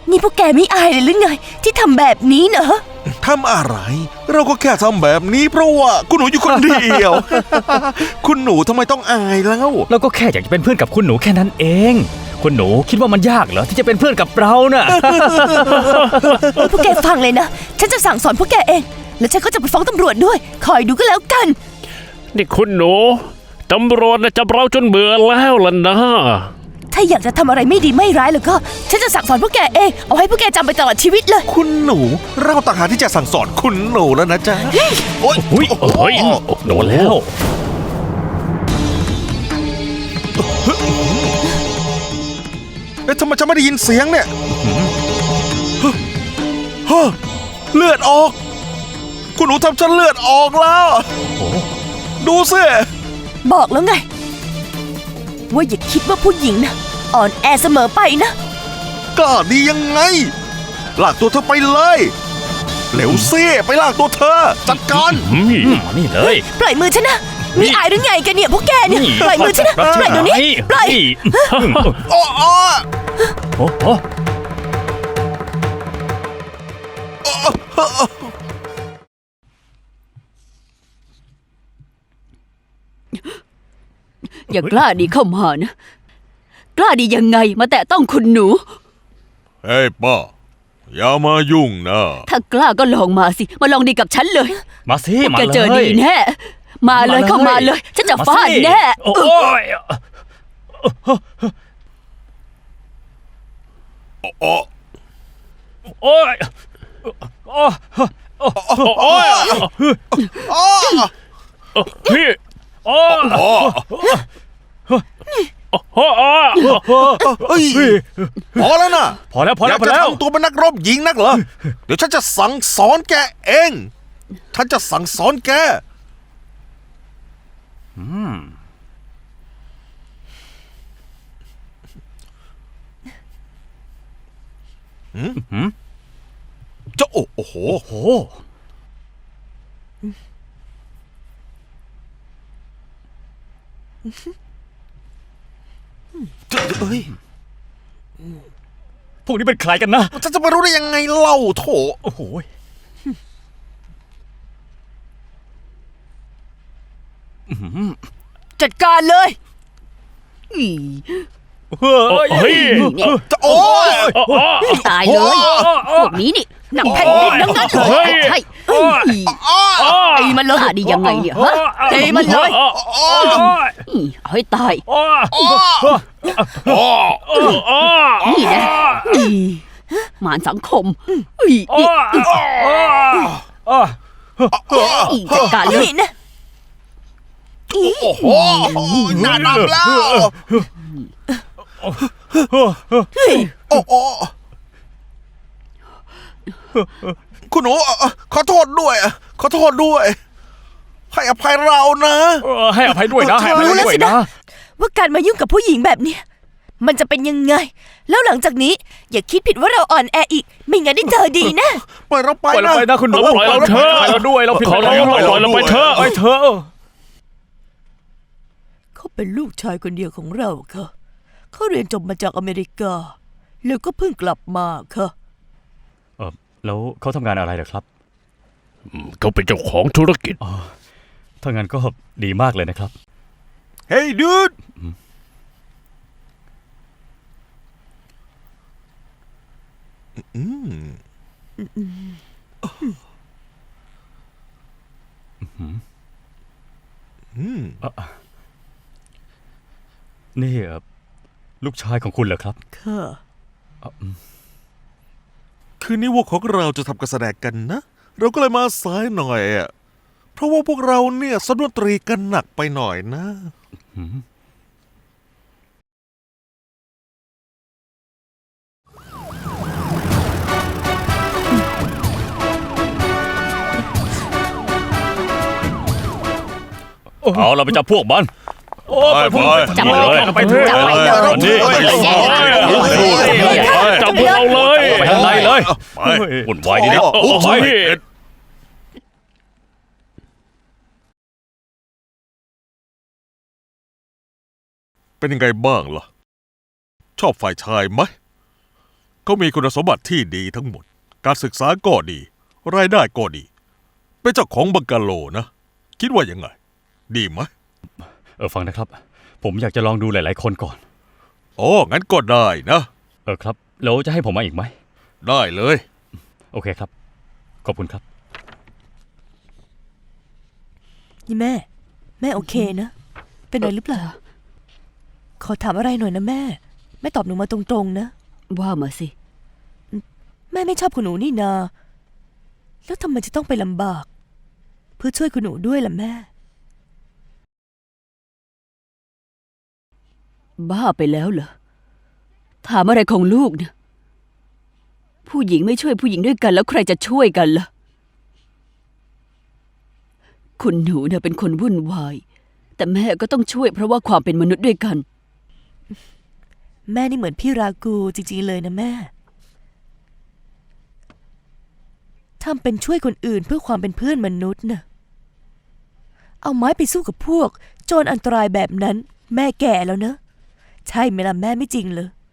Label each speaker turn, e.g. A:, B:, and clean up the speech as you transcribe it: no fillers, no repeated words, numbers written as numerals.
A: นี่พวกแกไม่อายเลยหรือไงที่ทำแบบนี้เนอะ
B: ทำอะไรเราก็แค่ทำแบบนี้เพราะว่าคุณหนูอยู่คนเดียว คุณหนูทำไมต้องอายแล้ว
C: เราก็แค่อยากจะเป็นเพื่อนกับคุณหนูแค่นั้นเองคุณหนูคิดว่ามันยากเหรอที่จะเป็นเพื่อนกับเราน่ะ
A: พวกแกฟังเลยนะฉันจะสั่งสอนพวกแกเองแล้วฉันก็จะไปฟ้องตำรวจด้วยคอยดูก็แล้วกัน
D: นี่คุณหนูตำรวจจับเราจนเบื่อแล้วล่ะนะ
A: ถ้าอยากจะทำอะไรไม่ดีไม่ร้ายแล้วก็ฉันจะสั่งสอนพวกแกเองเอาให้พวกแกจำไปตลอดชีวิตเลย
B: คุณหนูเราต่างหากที่จะสั่งสอนคุณหนูแล้วนะจ๊ะโอ๊ย
D: เฮ้ยโดนแล้ว
B: ทำไมฉันไม่ได้ยินเสียงเนี่ยเลือดออกคุณหนูทำฉันเลือดออกแล้วดูสิ
A: บอกแล้วไงว่าอย่าคิดว่าผู้หญิงนะอ่อนแอเสมอไปนะ
B: กล้าดียังไงลากตัวเธอไปเลยเร็วสิไปลากตัวเธอจัดการ
C: นี่เลย
A: ปล่อยมือฉันนะมีอายหรือไงกันเนี่ยพวกแกเนี่ยปล่อยมือฉันนะปล่อยเดี๋ยวนี้ปล่อย
E: อย่ากล้าดีเข้ามานะกล้าดียังไงมาแตะต้องคุณหนู
B: เฮ้ยป้าอย่ามายุ่งนะ
E: ถ้ากล้าก็ลองมาสิมาลองดีกับฉันเลย
C: มาสิมาเลย
E: แกเจอดีแน่มาเลยเข้ามาเลยฉันจะฟาดแน่
C: โอ้ย
B: โอ้
C: โอ้ยโอ้ยพี่โอ้
B: พอแล้วนะ
C: พอแล้ว
B: อยากจะทำตัวเป็นนักรบหญิงนักเหรอเดี๋ยวฉันจะสั่งสอนแกเองฉันจะสั่งสอนแกจะโอ้โหเฮ้ย
C: พวกนี้เป็นใครกันนะ
B: ฉันจะมารู้ได้ยังไงเล่าโถ
C: โอ้โห
A: จัดการเลย
D: เฮ้ย
B: โอ้ย
E: ตายเลยพวกนี้นี่หนังแผ่นดินทั้งนั้นเลยใช่ตีมันเลยดียังไงเนี่ยฮะตีมันเลยเอาให้ตายนี่นะหมารสังคมจัดการเลยนะ
B: โอ้โหน่านับแล้วคุณหนูขอโทษด้วยขอโทษด้วยให้อภัยเรานะ
C: ให้อภัยด้วยนะให้อภัยด้วยนะ
A: ว่าการมายุ่งกับผู้หญิงแบบนี้มันจะเป็นยังไงแล้วหลังจากนี้อย่าคิดผิดว่าเราอ่อนแออีกไม่งั้นได้เจอดีนะ
B: ปล่อยเราไป
C: นะคุณหนูปล่อยเราเถอะเราด้วยเราผิดแล้วปล่อยเราไปเถอะ
A: เขาเป็นลูกชายคนเดียวของเราค่ะเขาเรียนจบมาจากอเมริกาแล้วก็เพิ่งกลับมาค่ะ
C: แล้วเขาทำงานอะไรเหรอครับ
D: เขาเป็นเจ้าของธุรกิจ
C: ถ้างั้นก็ดีมากเลยนะครับ
B: Hey dude
C: นี่ลูกชายของคุณเหรอครับ
A: ค่ะ
B: คืนนี้พวกของเราจะทำการแสดงกันนะเราก็เลยมาสายหน่อยเพราะว่าพวกเราเนี่ยซ้อมดนตรีกันหนักไปหน่อยนะ
C: เอาเราไปจับพวกมัน
E: จับเลย
C: ไปเถอะ
D: จับพวกเราเลย
C: ไปทางไหนเลยวุ่นวายดีนะ
B: เป็นยังไงบ้างล่ะชอบฝ่ายชายไหมเขามีคุณสมบัติที่ดีทั้งหมด การศึกษาก็ดี รายได้ก็ดี เป็นเจ้าของบังกะโลนะ คิดว่ายังไง ดีไหม
C: ฟังนะครับ ผมอยากจะลองดูหลายๆคนก่อน
B: โอ้งั้นก็ได้นะ
C: ครับแล้วจะให้ผมมาอีกไหม
B: ได้เลย
C: โอเคครับ ขอบคุณครับ
A: นี่แม่ แม่โอเคนะ เป็นอะไรหรือเปล่า ขอถามอะไรหน่อยนะแม่ แม่ตอบหนูมาตรงๆนะ
E: ว่ามาสิ
A: แม่ไม่ชอบคุณหนูนี่นา แล้วทำไมจะต้องไปลำบาก เพื่อช่วยคุณหนูด้วยล่ะแม่
E: บ้าไปแล้วเหรอ ถามอะไรของลูกเนี่ย ผู้หญิงไม่ช่วยผู้หญิงด้วยกันแล้วใครจะช่วยกันล่ะ คุณหนูเนี่ยเป็นคนวุ่นวาย แต่แม่ก็ต้องช่วยเพราะว่าความเป็นมนุษย์ด้วยกัน
A: แม่นี่เหมือนพี่รากูจริงๆเลยนะแม่ทำเป็นช่วยคนอื่นเพื่อความเป็นเพื่อนมนุษย์น่ะ เอาไม้ไปสู้กับพวกโจรอันตรายแบบนั้น แม่แก่แล้วนะ ใช่ไหมล่ะแม่ไม่จริงเลย